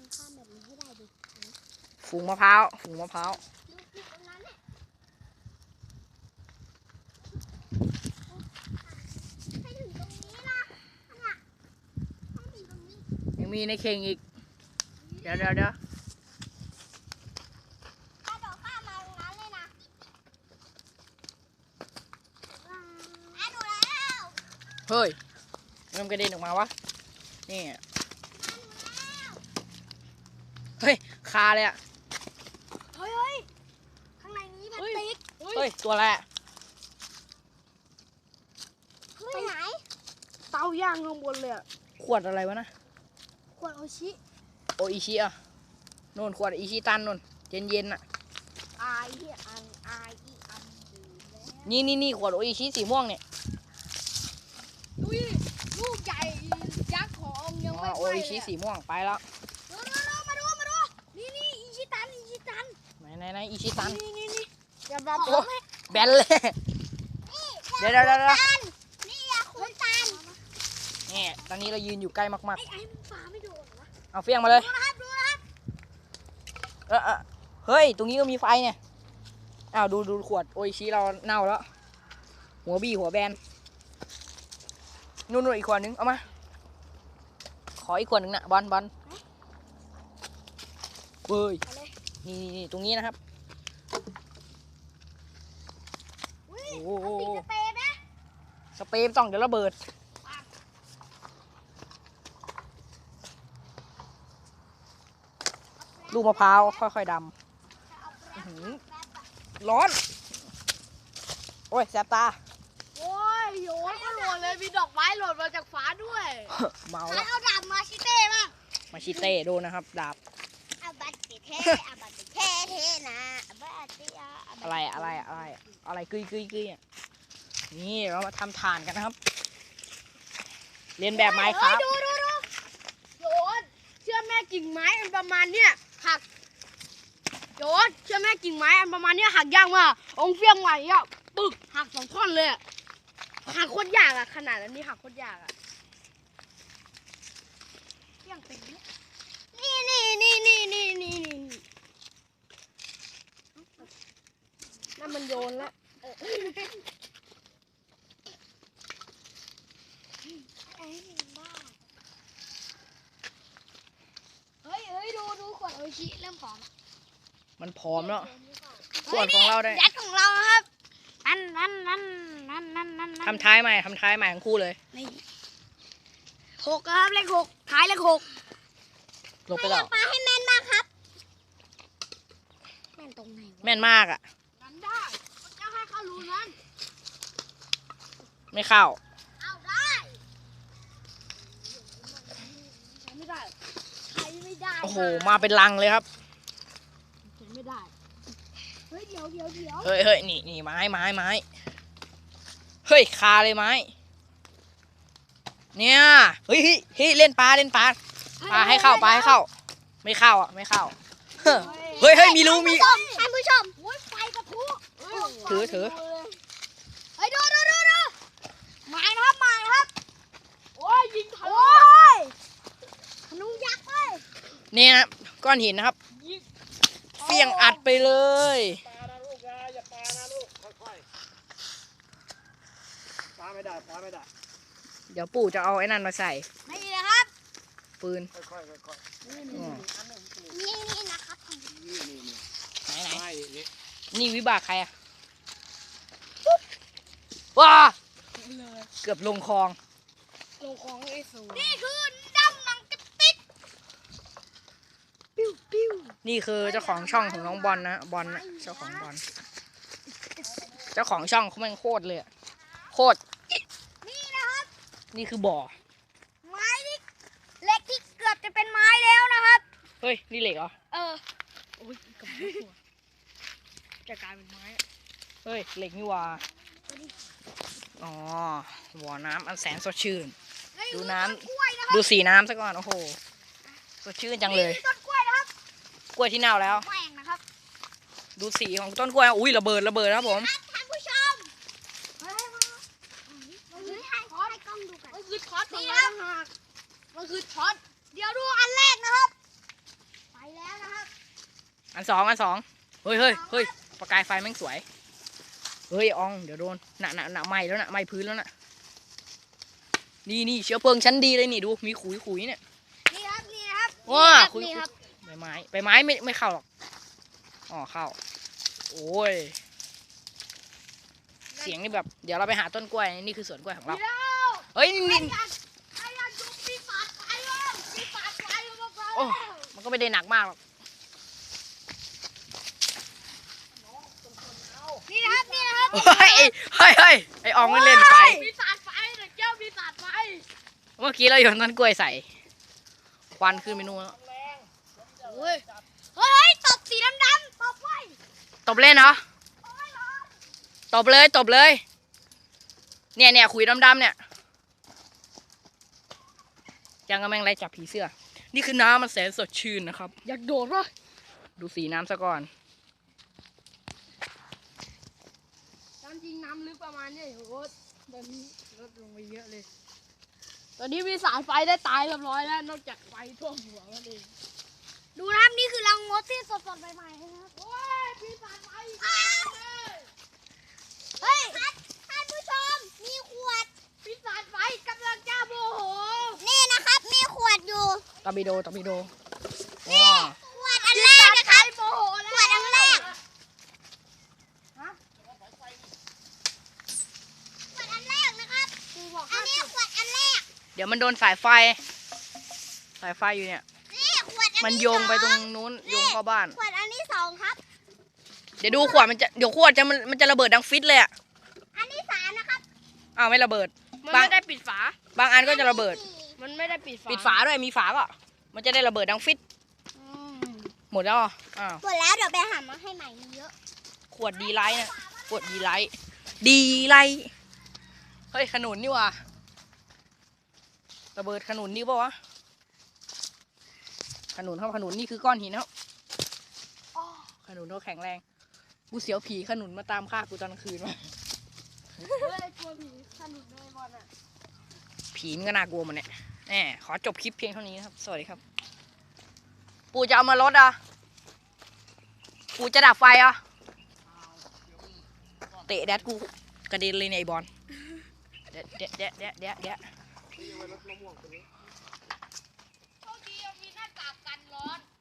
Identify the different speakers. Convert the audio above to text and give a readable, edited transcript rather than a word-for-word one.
Speaker 1: ข้ามแบบนี้ให้ได้ดิ
Speaker 2: ฝูงมะพร้าวฝูงมะพร้าว
Speaker 1: ดูตรงนั้นเนี่ยให้ถึงตรงนี้นะเนี่ยให้ถึงตรงนี้
Speaker 2: ยังมีในเข่งอีกเดี๋ยว
Speaker 1: กระโดดข้ามมาตรงนั้นเลยนะดูแล้ว
Speaker 2: เฮ้ยมันกระเด็นออกมาวะนี่เฮ้ยคาเลยอ่ะ
Speaker 1: เฮ้ยข้างในนี้พลาสติก
Speaker 2: เฮ้ยตัวอะไรอะ
Speaker 1: ไปไหน
Speaker 3: เตาย่างข้างบนเลยอะ
Speaker 2: ขวดอะไรวะนะ
Speaker 1: ขวดโอชิ
Speaker 2: โออิชิอ่ะนู่นขวดอิชิตันนู่นเย็นๆอ่ะ
Speaker 1: อายที่อันอายที่อันดื่มแล้ว
Speaker 2: นี่ขวดโออิชิสีม่วงเนี่ย
Speaker 3: ดูดิลูกใหญ่ยักษ์ของยังไม่
Speaker 2: โอ
Speaker 3: ไป
Speaker 2: อิ
Speaker 3: เล
Speaker 2: ชิ
Speaker 3: ย
Speaker 2: สีม่วงไปแล้ว
Speaker 3: มาดูนี่อิชิตัน
Speaker 2: ไหนอิชิตัน
Speaker 3: นี่อย่าบอก
Speaker 2: โอ้แบนเลยเดี๋ยว
Speaker 1: นี่อะคุณตัน
Speaker 2: นี่ตอนนี้เรายืนอยู่ใกล้มาก
Speaker 1: ไอ้มันปลาไม่โดนเหรอวะ
Speaker 2: ๆเอาเฟี้ยงมาเลย
Speaker 1: ดูนะครับ
Speaker 2: เฮ้ยตรงนี้ก็มีไฟเนี่ยอ้าวดูขวดโออิชิเราเน่าแล้วหัวบี้หัวแบนนู่นอีกขวดนึงเอามาขออีกขวดนึงนะบอลเฮ้ยนี่ตรงนี้นะครับ
Speaker 1: อุ้ย
Speaker 2: โอ้โห
Speaker 1: ติดสเปรย์นะ
Speaker 2: สเปรย์ต้องเดี๋ยวระเบิดลูกมะพร้าวค่อยๆดำร้อนโอ้ยแสบตา
Speaker 3: โอ้ยโยนก็หล่นเลยมีดอกไม้หล่นมาจากฟ้าด้วย
Speaker 2: เมา
Speaker 1: ใคร
Speaker 2: แล้ว
Speaker 1: เอาดาบมาชิเต้บ้าง
Speaker 2: มาชิเต้ดูนะครับดาบ
Speaker 1: เอาบัตรเท่เอาบัตรเท่นะเอาบัตรเท่
Speaker 2: อะไรกึยอ่ะนี่เรามาทำฐานกันนะครับเรียนแบบไม้ครับ
Speaker 3: ดูโยนเชื่อแม่กิ่งไม้อันประมาณเนี้ยหักโยนเชื่อแม่กิ่งไม้อันประมาณเนี้ยหักยากมากองเฟี้ยงไหวอ่ะปึกหักสองท่อนเลยอะหักโคตรยากอ่ะขนาดนั้นนี่หักโคตรยากอ่ะเฟี้ยงเป็นเนี่ยนี่นั่นมันโยนละเฮ้ยดูขวดโออิชิเริ่มผอม
Speaker 2: มันผอมแล้วส่วนของเราได้
Speaker 1: ยัดของเราครับนั่น
Speaker 2: ทำท้ายใหม่ทั้งคู่เลย
Speaker 3: นี่หกครับเลขหกท้ายเลขหก
Speaker 2: ลงไปแล้ว
Speaker 1: ปลาให้แม่นมากครับแม่นตรงไหนวะ
Speaker 2: แม่นมากอ่ะ
Speaker 3: นั้นได้จะให้เขารู้นั้น
Speaker 2: ไม่เข้า
Speaker 1: เอาได้
Speaker 3: ใช้ไม่ได้
Speaker 1: ใครไม่ได้
Speaker 2: โอ้โหมาเป็นลังเลยครับ
Speaker 3: ใช้ไม่ได้
Speaker 1: เฮ้ยเดี๋ยว
Speaker 2: เฮ้ยนี่ไม้เฮ้ยคาเลยไม้เนี่ยเฮ้ยเล่นปลาให้เข้าไม่เข้าอ่ะไม่เข้าเฮ้ยมีรูมี
Speaker 1: ท่านผู้ชมไฟกระทุ
Speaker 2: ถือ
Speaker 1: เฮ้ยดูหมายนะครับ
Speaker 3: โอ้ยยิงทะลุ
Speaker 1: โอ้ยธนูยักษ์เว้ย
Speaker 2: นี่นะก้อนหินนะครับ
Speaker 3: ยิง
Speaker 2: เฟี้ยงอัดไปเลย
Speaker 4: ปลานะลูกนะอย่าปลานะลูกค่อยๆปลาไม่ได้
Speaker 2: เดี๋ยวปู่จะเอาไอ้นั่นมาใส่
Speaker 1: นี่นะครับ
Speaker 2: ปืน
Speaker 4: ค่อยๆ
Speaker 1: นี่นะครับ
Speaker 2: ไหน
Speaker 4: ไม่นี่
Speaker 2: นี่วิบากใครอ่ะว้าเกือบลงคลอง
Speaker 3: ลงของไอ้สู
Speaker 1: นี่คือดำหนังกระติก
Speaker 2: นี่คือเจ้าของช่องของน้องบอลนะบอลนะเจ้าของบอลเจ้าของช่องเขาแม่งโคตรเลยโคตร
Speaker 1: นี่นะครับ
Speaker 2: นี่คือบ่อ
Speaker 1: ไม้ที่เล็กที่เกือบจะเป็นไม้แล้วนะครับ
Speaker 2: เฮ้ยนี่เหล็กเหรอ
Speaker 3: โอ้ยกับหัวจะกลายเป็นไม้
Speaker 2: เฮ้ยเหล็กนี่หว่าอ๋อบ่อน้ำอันแสนสดชื่น ดูน้ำ
Speaker 1: กล้วยนะครับ
Speaker 2: ดูสีน้ำซะก่อนโอ้โหสดชื่นจังเลย
Speaker 1: นี่ต้นกล้วยนะครับ
Speaker 2: กล้วยที่เน่าแล้ว
Speaker 1: แหว่งนะครับ
Speaker 2: ดูสีของต้นกล้วยอุ้ยระเบิดครับผม
Speaker 1: ท่านผู้ชมให้กล้องดูกัน
Speaker 3: มันคือช็อต
Speaker 1: นี่
Speaker 3: นี่
Speaker 1: ครั
Speaker 3: นะ
Speaker 1: บ
Speaker 3: มันคือช็อต
Speaker 1: เดี๋ยวดูอันแรกนะครับ
Speaker 2: อันสองเฮ้ยเฮ้ยเฮ้ยประกายไฟแม่งสวยเฮ้ยอองเดี๋ยวโดนหนะไหม้แล้วนะไหม้พื้นแล้วนะนี่เชื้อเพลิงชั้นดีเลยนี่ดูมีขุยเนี่ย
Speaker 3: นี่ครับนี่ครับ
Speaker 2: ว้าขุย
Speaker 3: นี่ครับ
Speaker 2: ใบไม้ไม่เข้าหรอกอ๋อเข้าโอ้ยเสียงนี่แบบเดี๋ยวเราไปหาต้นกล้วยนี่คือสวนกล้วยของเรา
Speaker 3: เดี๋ยว
Speaker 2: เฮ้ยนี่
Speaker 3: ไอ้ยันยุบปีศาจไฟแล้วปีศาจไฟแล้วมา
Speaker 2: โอ้มันก็ไม่ได้หนักมากหรอก
Speaker 3: นี่นะครับนี่นะครับ
Speaker 2: เฮ้ยไออองมันเล่นไฟ
Speaker 3: ปีศาจไฟเด็กเจ้าปีศาจไฟ
Speaker 2: เมื่อกี้เราโยนต้นกล้วยใส่ควันขึ้นไปนู่นแล้ว
Speaker 3: เฮ้ยเฮ้ยตบสีดำๆตบไว้
Speaker 2: ตบเล่นเหรอตบเลยเนี่ยขุยดำๆเนี่ยยังกำลังไล่จับผีเสื้อนี่คือน้ำมันแสนสดชื่นนะครับ
Speaker 3: อยากโดดวะ
Speaker 2: ดูสีน้ำซะก่อน
Speaker 3: ตามจริงน้ำลึกประมาณนี้โอ้ตอนนี้ลดลงไปเยอะเลย ตอนนี้มีสายไฟได้ตายเรียบร้อยแล้วนอกจากไฟท่วมหัวมันเองดูนะครับนี่คือรังมดที่สดๆใหม่ๆนะครับโอ้ยปีศาจไฟเฮ้ย
Speaker 1: ท่านผู้ชมมีขวด
Speaker 3: ปีศาจไฟกำลังจะโมโห
Speaker 1: นี่นะครับมีขวดอยู่
Speaker 2: ตอร์ปิโดว้าว
Speaker 1: ขวดอันแรกนะครับ
Speaker 3: โมโหแล้ว
Speaker 1: ขวดอันแรก
Speaker 3: ฮะ
Speaker 1: ขวดอันแรกนะครับ
Speaker 3: กูบอก
Speaker 1: อันนี้ขวดอันแรก
Speaker 2: เดี๋ยวมันโดนสายไฟอยู่เนี่ย
Speaker 1: นี่ขวดอัน
Speaker 2: มัน
Speaker 1: ที่
Speaker 2: โยงไปตรง
Speaker 1: สอ
Speaker 2: นู้นโยงเข้าบ้าน
Speaker 1: ขวดอันที่สองครับ
Speaker 2: เดี๋ยวดูขวดเดี๋ยวขวดมันจะระเบิดดังฟิตเลยอ่ะ
Speaker 1: อันที่สามนะครับ
Speaker 2: อ้าวไม่ระเบิด
Speaker 3: มันไม่ได้ปิดฝา
Speaker 2: บางอันก็จะระเบิด
Speaker 3: มันไม่ได้ปิดฝา
Speaker 2: ปิดฝาด้วยมีฝาก็มันจะได้ระเบิดดังฟิต
Speaker 3: อืม
Speaker 2: หมดแล้วเหรออ้าว
Speaker 1: หมดแล้วเดี๋ยวไปหามาให้ใหม่มีเยอะ
Speaker 2: ขวดดีไลท์นะขวดดีไลท์เฮ้ยขนุนนี่ว่ะระเบิดขนุนนี่ปะวะขนุนนี่คือก้อนหินครับขนุนเขาแข็งแรงกูเสียวผีขนุนมาตามฆ่ากูตอนกลางคืนวะ
Speaker 3: เฮ้ยกลัวผีสนุกเลยบอลอ่ะ
Speaker 2: ผีมันก็น่ากลัวมันเนี่ยแหมขอจบคลิปเพียงเท่านี้นะครับ สวัสดีครับ ปู่จะเอามาลดอ่ะ ปู่จะดับไฟอ่ะ เตะแดดกูกระเด็นเลยเนี่ยไอ้บอลเดี๋ยว